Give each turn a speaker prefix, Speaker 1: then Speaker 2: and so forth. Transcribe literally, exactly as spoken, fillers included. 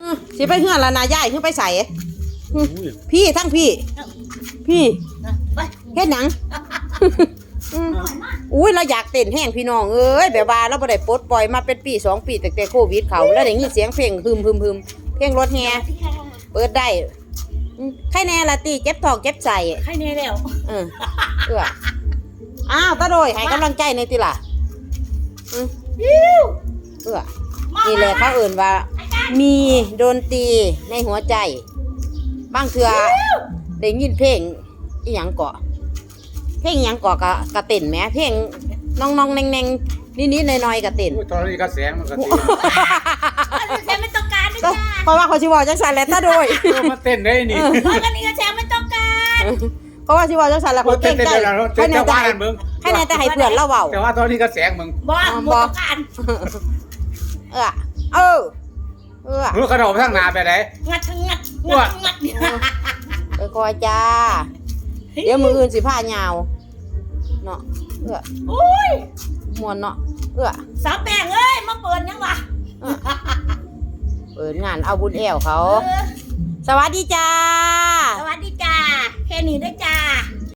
Speaker 1: สิไปเฮือนละนายายขึ้นไปใส่พี่ทั้งพี่พี่เฮ็ดหยังอุ้ยเราอยากเต้นแห้งพี่น้องเอ้ยแบบว่าเราบ่ได้ปลดปล่อยมาเป็นปีสองปีตั้งแต่โควิดเขาแล้วได้ยินเสียงเพลงฮึมฮึมฮึมเพลงรถแฮเปิดได้ใครแน่ละตีเจ็บท้องเจ็บใจ
Speaker 2: ใครแน่แล้ว
Speaker 1: เออเอออ้าวตาโดยให้กำลังใจในติล่ะอือเออนี่แหละเขาเอิ่นว่ามีดนตรีในหัวใจบางเทื่อได้ยินเพลงอีหยังเกาะเพลงหยังเกาะกะกะเต้นแหมเพลงน้องๆแนงๆนิดๆหน่อยๆกะเต้น
Speaker 3: ตอนนี้กระแสมันก็ตี
Speaker 2: กระแสไม่ต้องการด้วยจ้า
Speaker 1: เพราะว่าเขาสิบอกจังซั่นแหละตาโดย
Speaker 3: มาเต้นได้นี่
Speaker 2: เพราะกันนี้กระแสไม่ต้องการ
Speaker 1: เพราะว่าสิบอกจังซั่นแล้วเขาเก่งใจให้แน่แต่ให้แน่แต่ให้เพื่อนเราเว้า
Speaker 3: แต่ว่าตอนนี้กระแสมึง
Speaker 2: บ่บ่ต้องการ
Speaker 1: เออเออเออ
Speaker 3: มือกระโดดทางหน้าไปไหน
Speaker 2: งัดงัดงัดงัด
Speaker 1: เออคอยจ้าเดี๋ยวมืออื่นสิผ้ายาวเนาะเออ
Speaker 2: อุ้ย
Speaker 1: มวนเนาะเออ
Speaker 2: สาวแป้งเอ้ยมาเปิดยังวะ
Speaker 1: เปิดงานเอาบุญแอวเขาสวัสดีจ้า
Speaker 2: สวัสดีจ้าแค่นี้ได้จ้า